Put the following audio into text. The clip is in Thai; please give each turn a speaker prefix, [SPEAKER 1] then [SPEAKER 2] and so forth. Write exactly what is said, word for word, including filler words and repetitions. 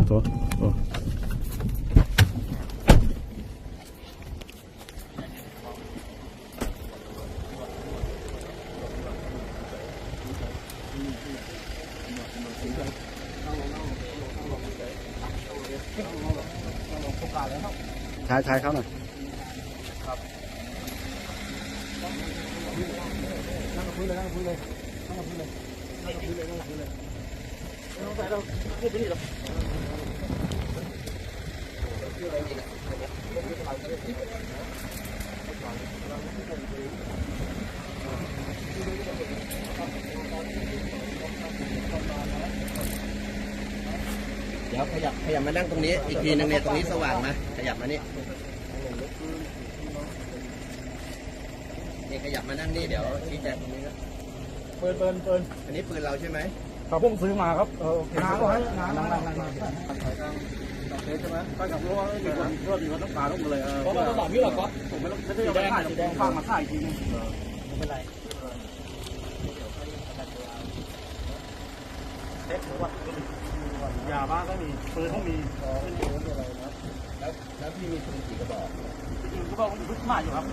[SPEAKER 1] โถโอ้ชายชายเขาหน่อยนั่งกับพื้นเลยนั่งกับพื้นเลยนั่งกับพื้นเลยนั่งกับพื้นเลยนั่งกับพื้นเลยไม่ต้องใส่เราพูดไปนี่หรอก
[SPEAKER 2] เดี๋ยวขยับขยับมานั่งตรงนี้อีกทีนึงเนี่ยตรงนี้สว่างมาขยับมานี่นี่ขยับมานั่งนี่เดี๋ยวชี้แจงตรงนี้นะ
[SPEAKER 1] เปิดเปิดเปิด
[SPEAKER 2] อันนี้ปืนเราใช่ไหม
[SPEAKER 1] เขาเพิ่งซื้อมาครับเออน้าก็ให้น้านั่งนั่งนั่งนั่งใช่ไหมไปกับรั้วมีคนเพื่อนอยู่ต้องการต้องเลยเพราะว่าต้องบอกพี่หรอกก๊อฟผมไม่ต้องไม่ได้เอาไปถ่ายสีแดงฟังมาถ่ายทีนึงไม่เป็นไรยาบ้าก็มีปืนก็มีเป็นปืนอะไรนะ
[SPEAKER 2] แล้วแล้วพี่มีปืนกี่กระบอก
[SPEAKER 1] จริงๆก็ต้องรุ่นใหม่อยู่ครับ